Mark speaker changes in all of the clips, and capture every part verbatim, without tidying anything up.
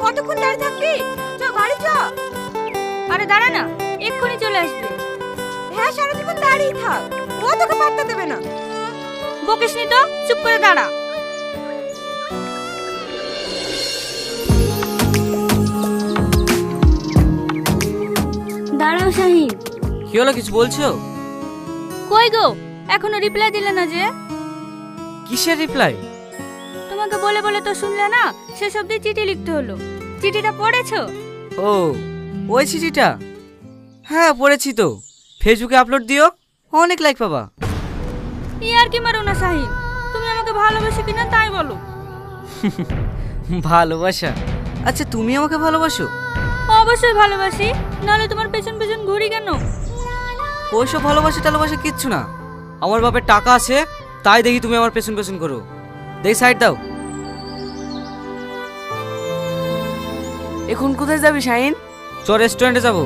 Speaker 1: কতক্ষণ দাঁড়িয়ে থাকবি? চ গাড়ি চ।
Speaker 2: আরে দাঁড়া না, এক্ষুনি চলে আসবে।
Speaker 1: হ্যাঁ সারা জীবন দাঁড়িয়ে থাক, ও তোকে পাত্তা দেবে না।
Speaker 2: বকিসনি তো, চুপ করে দাঁড়া। দাঁড়াও শাহিন।
Speaker 3: কি হলো, কিছু বলছো?
Speaker 2: কই গো, এখনো রিপ্লাই দিলে না যে?
Speaker 3: কিসের রিপ্লাই?
Speaker 2: তোমাকে বলে বলে তো শুনলে না, শেষ অবধি চিঠি লিখতে হলো। চিঠিটা পড়েছো?
Speaker 3: ও ওই চিঠিটা, হ্যাঁ পড়েছি তো। ফেসবুকে আপলোড দিও, অনেক লাইক পাবা।
Speaker 2: ই আর কি মারো না শাহিন, তুমি আমাকে ভালোবাসো কিনা তাই বলো।
Speaker 3: ভালোবাসা? আচ্ছা তুমি আমাকে ভালোবাসো?
Speaker 2: অবশ্যই ভালোবাসি, নাহলে তোমার পেছন পেছন ঘুরি কেন?
Speaker 3: ওইসব ভালোবাসা টালোবাসা কিচ্ছু না। আমার বাপের টাকা আছে, তাই দেখি তুমি আমার পেছন পেছন করো। দেখি সাইড দাও।
Speaker 4: এখন কোথায় যাবি শাহিন?
Speaker 3: চ রেস্টুরেন্টে যাবো।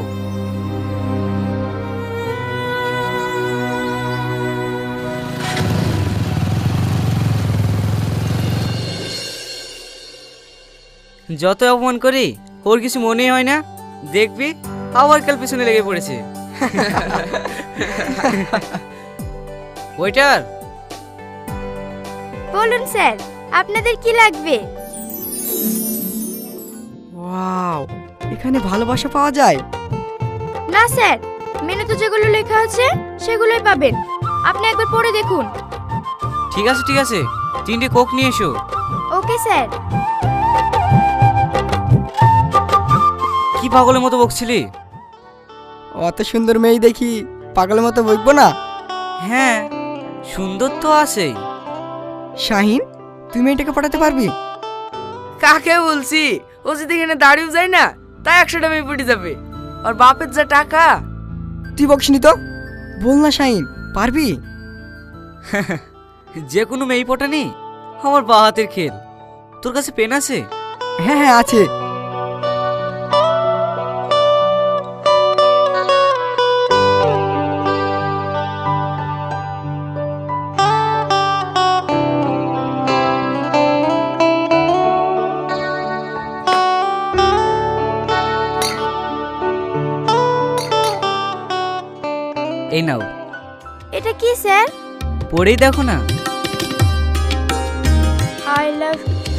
Speaker 3: যত অপমান করি ওর কিছু মনেই হয় না। দেখবি আবার কাল পিছনে লেগে পড়েছে। ওয়েটার।
Speaker 1: বলুন স্যার, আপনাদের কি লাগবে?
Speaker 4: ওয়াও, এখানে ভালোবাসা পাওয়া যায়?
Speaker 1: না স্যার, মেনুতে যেগুলো লেখা আছে সেগুলোই পাবেন। আপনি একবার পড়ে দেখুন।
Speaker 3: ঠিক আছে ঠিক আছে, তিনটে কোক নিয়ে এসো।
Speaker 1: Okay sir.
Speaker 3: কি পাগলের মতো বকছিলি?
Speaker 4: অত সুন্দর মেয়ে দেখি পাগলের মতো বকবো না?
Speaker 3: হ্যাঁ সুন্দর তো আছেই।
Speaker 4: শাহিন, তুই মেয়েটাকে পাঠাতে পারবি?
Speaker 5: কাকে বলছি? ও যদি এখানে দাঁড়িয়েও যায় না, তাই একশোটা মেয়ে পড়ে যাবে। আর বাপের যা টাকা।
Speaker 4: তুই বকসনি তো, বল না শাহিন, পারবি?
Speaker 3: যে কোনো মেয়ে পটানি আমার বা হাতের খেল। তোর কাছে পেন আছে?
Speaker 4: হ্যাঁ হ্যাঁ আছে।
Speaker 3: এই নাও।
Speaker 1: এটা কি স্যার?
Speaker 3: পড়েই দেখো না।
Speaker 1: I love.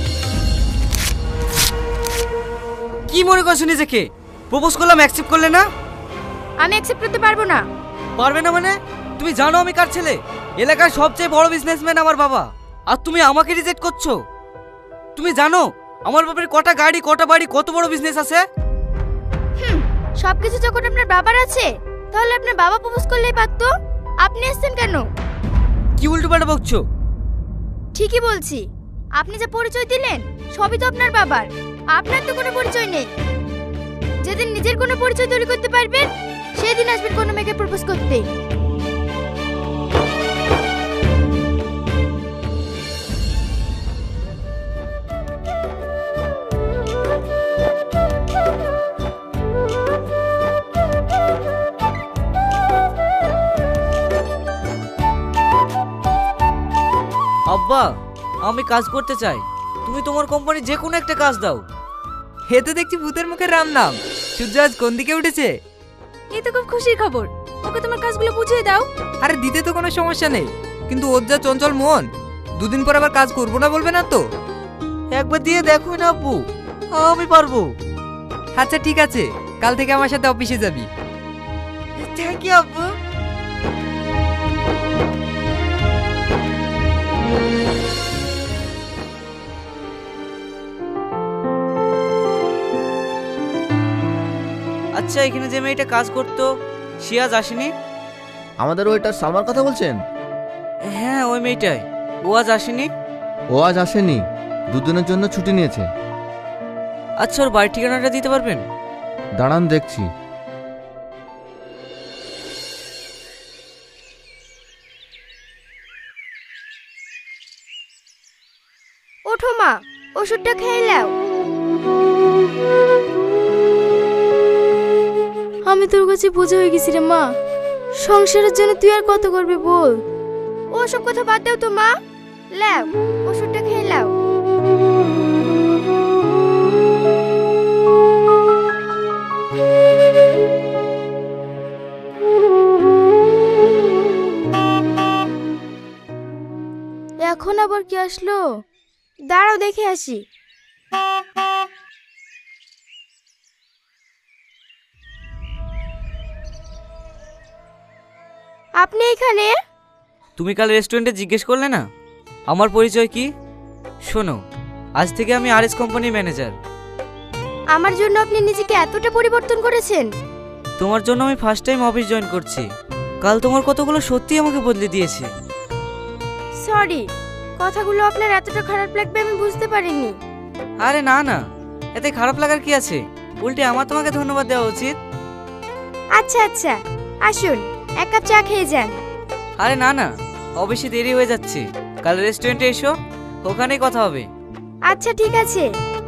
Speaker 3: কি মনে করছো নিজেকে? প্রপোজ করলাম, অ্যাকসেপ্ট করলে না?
Speaker 1: আমি অ্যাকসেপ্ট করতে পারবো না।
Speaker 3: পারবে না মানে? তুমি জানো আমি কার ছেলে? এলাকার সবচেয়ে বড় বিজনেসম্যান আমার বাবা, আর তুমি আমাকে রিজেক্ট করছো? তুমি জানো আমার বাবার কটা গাড়ি, কটা বাড়ি, কত বড় বিজনেস আছে?
Speaker 1: হুম, সবকিছু যখন আপনার বাবার আছে, তাহলে আপনার বাবা প্রপোজ করলেই পারতো। আপনি আসছেন কেন?
Speaker 3: কি উল্টোপাল্টা বকছো?
Speaker 1: ঠিকই বলছি, আপনি যে পরিচয় দিলেন সবই তো আপনার বাবার। আপনার তো কোনো পরিচয় নেই। যেদিন নিজের কোনো পরিচয় তৈরি করতে পারবেন, সেদিন আসবেন কোনো মেয়েকে প্রপোজ করতে।
Speaker 3: আব্বা আমি কাজ করতে চাই, তুমি তোমার কোম্পানি যে কোনো একটা কাজ দাও।
Speaker 5: হে তো দেখছি ভূতের মুখে রাম নাম। সূর্য আজ কোন দিকে উঠেছে?
Speaker 1: এই তো খুব খুশির খবর। ওকে তোমার কাজগুলো বুঝিয়ে দাও।
Speaker 5: আরে দিতে তো কোনো সমস্যা নেই, কিন্তু ওর যা চঞ্চল মন, দুদিন পর আবার কাজ করবো না বলবে না তো?
Speaker 3: একবার দিয়ে দেখো না আব্বু, আমি পারবো।
Speaker 5: আচ্ছা ঠিক আছে, কাল থেকে আমার সাথে অফিসে যাবি।
Speaker 3: থ্যাংক ইউ আব্বু। আচ্ছা এখানে যে মেয়েটা কাজ করতো সে আজ আসেনি?
Speaker 6: আমাদের ওইটার সালমার কথা বলছেন?
Speaker 3: হ্যাঁ ওই মেয়েটাই। ও আজ আসেনি?
Speaker 6: ও আজ আসেনি, দুদিনের জন্য ছুটি নিয়েছে।
Speaker 3: আচ্ছা ওর বাড়ির ঠিকানাটা দিতে পারবেন?
Speaker 6: দাঁড়ান দেখছি।
Speaker 1: ওঠো মা, ওষুধটা খেয়ে নাও। আমি তোর কাছে বোঝা হয়ে গেছি রে মা। সংসারের জন্য তুই আর কত করবি বল। ওসব কথা বাদ দাও তো মা, লাও ওষুধটা খেয়ে নাও। আবার কি আসলো? দাঁড়াও দেখে আসি। আপনি এখানে?
Speaker 3: তুমি কাল রেস্টুরেন্টে জিজ্ঞেস করলে না আমার পরিচয় কি? শোনো, আজ থেকে আমি আরএস কোম্পানির ম্যানেজার।
Speaker 1: আমার জন্য আপনি নিজেকে এতটা পরিবর্তন করেছেন?
Speaker 3: তোমার জন্য আমি ফার্স্ট টাইম অফিস জয়েন করছি। কাল তোমার কতগুলো সত্যি আমাকে বদলে দিয়েছে।
Speaker 1: সরি, কথাগুলো আপনার এতটা খারাপ লাগবে আমি বুঝতে পারিনি।
Speaker 3: আরে না না, এতে খারাপ লাগার কি আছে? উল্টে আমার তোমাকে ধন্যবাদ দেওয়া উচিত।
Speaker 1: আচ্ছা আচ্ছা, আসুন এক কাপ চা খেয়ে যান।
Speaker 3: আরে না না, অবশ্যই দেরি হয়ে যাচ্ছে। কাল রেস্টুরেন্টে এসো, ওখানেই কথা হবে।
Speaker 1: আচ্ছা ঠিক আছে।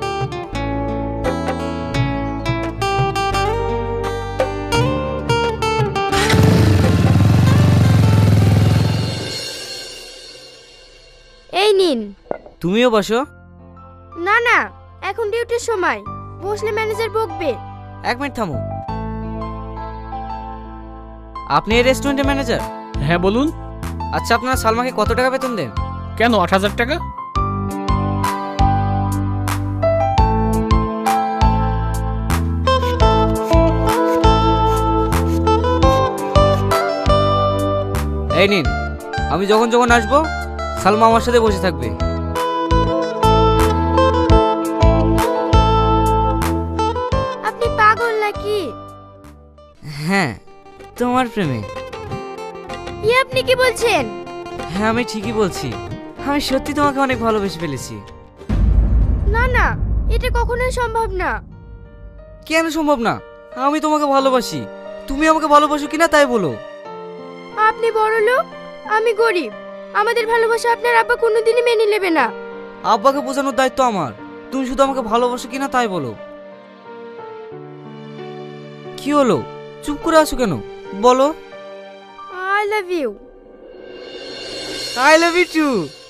Speaker 1: এই নিন।
Speaker 3: তুমিও বসো।
Speaker 1: না না, এখন ডিউটির সময়, বসলে ম্যানেজার বকবে।
Speaker 3: এক মিনিট থামো। আপনি এই রেস্টুরেন্টের ম্যানেজার?
Speaker 7: হ্যাঁ বলুন।
Speaker 3: আচ্ছা, আপনারা সালমাকে কত টাকা বেতন দেন?
Speaker 7: কেন, আট হাজার টাকা?
Speaker 3: এই নিন, আমি যখন যখন আসবো সালমা আমার সাথে বসে থাকবে।
Speaker 1: আপনি পাগল নাকি?
Speaker 3: হ্যাঁ, তোমার প্রেমে।
Speaker 1: ই আপনি কি বলছেন?
Speaker 3: হ্যাঁ, আমি ঠিকই বলছি। আমি সত্যি তোমাকে অনেক ভালোবেসে ফেলেছি।
Speaker 1: না না, এটা কখনোই সম্ভব না।
Speaker 3: কেন সম্ভব না? আমি তোমাকে ভালোবাসি। তুমি আমাকে ভালোবাসো কিনা তাই বলো।
Speaker 1: আপনি বড় লোক, আমি গরিব। আমাদের ভালোবাসা আপনার আব্বা কোনোদিনই মেনে নেবে না।
Speaker 3: আব্বাকে বোঝানোর দায়িত্ব আমার। তুমি শুধু আমাকে ভালোবাসো কিনা তাই বলো। কি হলো, চুপ করে আছো কেন? বলো।
Speaker 1: I love you.
Speaker 3: I love you too.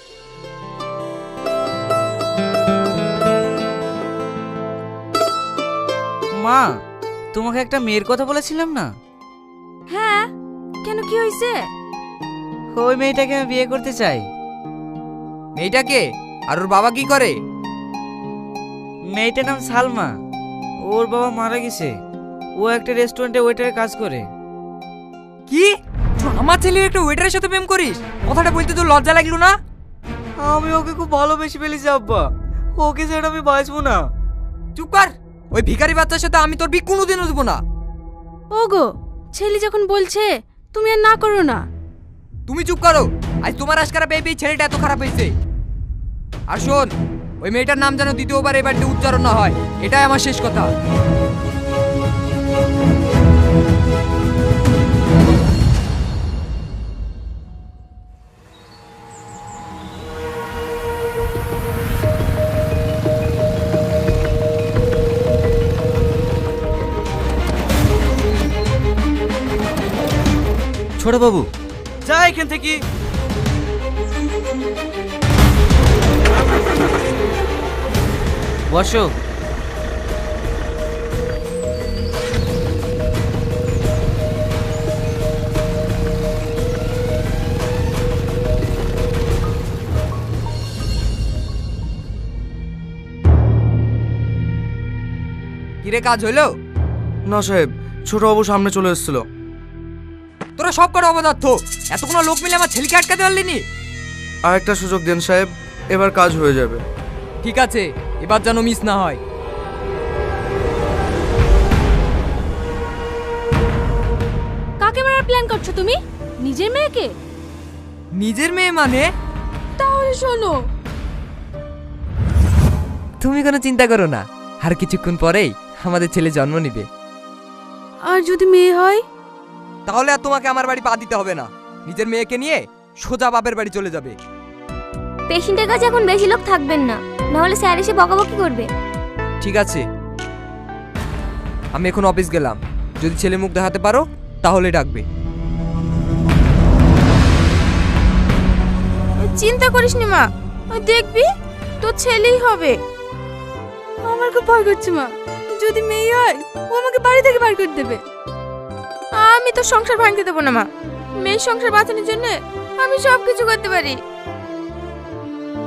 Speaker 3: মা, তোমাকে একটা মেয়ের কথা বলেছিলাম না?
Speaker 2: হ্যাঁ, কেন কি হয়েছে?
Speaker 3: ওই মেয়েটাকে আমি বিয়ে করতে চাই।
Speaker 4: মেয়েটাকে? আর ওর বাবা কি করে?
Speaker 3: মেয়েটার নাম সালমা। ওর বাবা মারা গেছে। ও একটা রেস্টুরেন্টে ওয়েটারে কাজ করে।
Speaker 4: কি? তুই আমার ছেলের একটা ওয়েটারের সাথে প্রেম করিস? কথাটা বলতে তোর লজ্জা লাগলো না?
Speaker 3: আমি ওকে খুব ভালোবেসে ফেলেছি আব্বা। ওকে ছাড়া আমি বাঁচবো না।
Speaker 4: চুপ কর। ওই ভিখারি বাচ্চার সাথে আমি তোর বিয়ে কোনোদিনও দেবো না।
Speaker 2: ওগো, ছেলে যখন বলছে তুমি আর না করো না।
Speaker 4: তুমি চুপ করো। আজ তোমার আজকারা পেয়ে পেয়ে ছেলেটা এত খারাপ হয়েছে। আর শোন, ওই মেয়েটার নাম যেন দ্বিতীয়বার এই বাড়িতে উচ্চারণ না হয়, এটাই আমার শেষ কথা।
Speaker 6: ছোট বাবু,
Speaker 3: যা এখান থেকে। বসো।
Speaker 4: কিরে, কাজ হইলো?
Speaker 8: না সাহেব, ছোটবাবু সামনে চলে এসেছিল।
Speaker 4: তোরা সব কটা অপদার্থ। এতগুলো লোক মিলে আমার ছেলেকে আটকাতে পারলিনি।
Speaker 8: আর একটা সুযোগ দেন সাহেব, এবার কাজ হয়ে যাবে।
Speaker 4: ঠিক আছে, এবার যেন মিস না হয়।
Speaker 2: কাকে মারার প্ল্যান করছো তুমি? নিজের মেয়েকে?
Speaker 4: নিজের মেয়ে মানে?
Speaker 2: তাহলে শোনো,
Speaker 4: তুমি কোনো চিন্তা করো না, আর কিছুক্ষণ পরেই আমাদের ছেলে জন্ম নিবে।
Speaker 2: আর যদি মেয়ে হয়?
Speaker 4: তাহলে আর তোমাকে আমার বাড়ি পা দিতে হবে না। নিজের মেয়েকে নিয়ে সোজা বাপের বাড়ি চলে যাবে।
Speaker 1: পেশেন্টের কাছে এখন বেশি লোক থাকবেন না, নাহলে স্যার এসে বকাবকি করবে।
Speaker 4: ঠিক আছে, আমি এখন অফিস গেলাম। যদি ছেলে মুখ দেখাতে পারো তাহলে ডাকবে।
Speaker 1: চিন্তা করিস নি মা, দেখবি তোর ছেলেই হবে।
Speaker 2: আমার খুব ভয় করছে মা, যদি মেয়ে হয় ও আমাকে বাড়ি থেকে বার করে দেবে।
Speaker 1: আমি তো সংসার ভাঙতে দেবো না মা। মেয়ের সংসার বাঁচানোর জন্য আমি সব কিছু করতে পারি।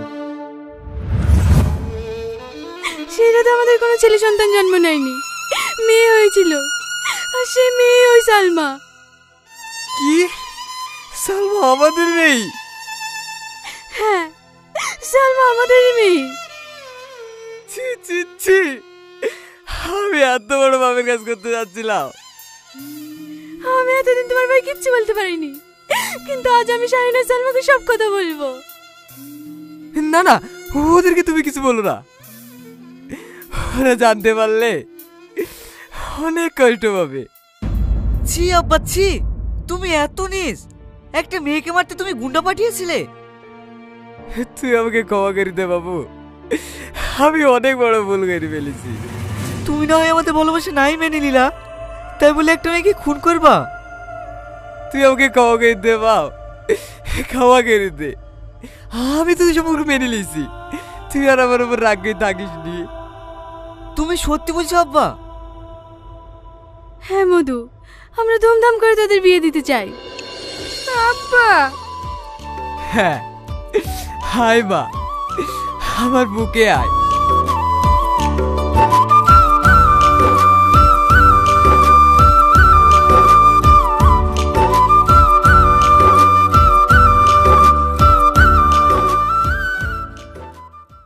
Speaker 2: সেই রাতে আমাদের কোনো ছেলে সন্তান জন্ম নেয়নি, মেয়ে হয়েছিল, আর সেই মেয়ে ওই সালমা।
Speaker 4: কি সালমা আমাদের নেই?
Speaker 2: হ্যাঁ, সালমা আমাদেরই মেয়ে।
Speaker 4: ছি ছি ছি, আমি এত বড় বাপের কাজ করতে যাচ্ছিলাম।
Speaker 2: আমি এতদিন তোমার ভাই কিচ্ছু বলতে পারিনি, কিন্তু আজ আমি শাহিনা সালমাকে সব কথা বলবো।
Speaker 4: না না, ওদেরকে তুমি কিছু বলো না, ওরা জানতে পারলে অনেক কষ্ট পাবে।
Speaker 3: ছি আব্বা ছি, তুমি এত নিস, একটা মেয়েকে মারতে তুমি গুন্ডা পাঠিয়েছিলে?
Speaker 4: তুই আমাকে ক্ষমা করে দে বাবু, আমি অনেক বড় ভুল করে ফেলেছি।
Speaker 3: তুমি না হয় আমাদের ভালোবাসা নাই মেনে নিলা, তাই বলে একটা মেয়েকে খুন করবা?
Speaker 4: তুই আমাকে ক্ষমা করে দে বাপ, ক্ষমা করে দে। আমি তো সম্পর্ক মেনে নিয়েছি, তুই আর আমার উপর রাগ করে থাকিস নি।
Speaker 3: তুমি সত্যি বলছো আব্বা?
Speaker 2: হ্যাঁ মধু, আমরা ধুমধাম করে তাদের বিয়ে দিতে চাই। আব্বা।
Speaker 4: হ্যাঁ, হাই মা, আমার বুকে আয়।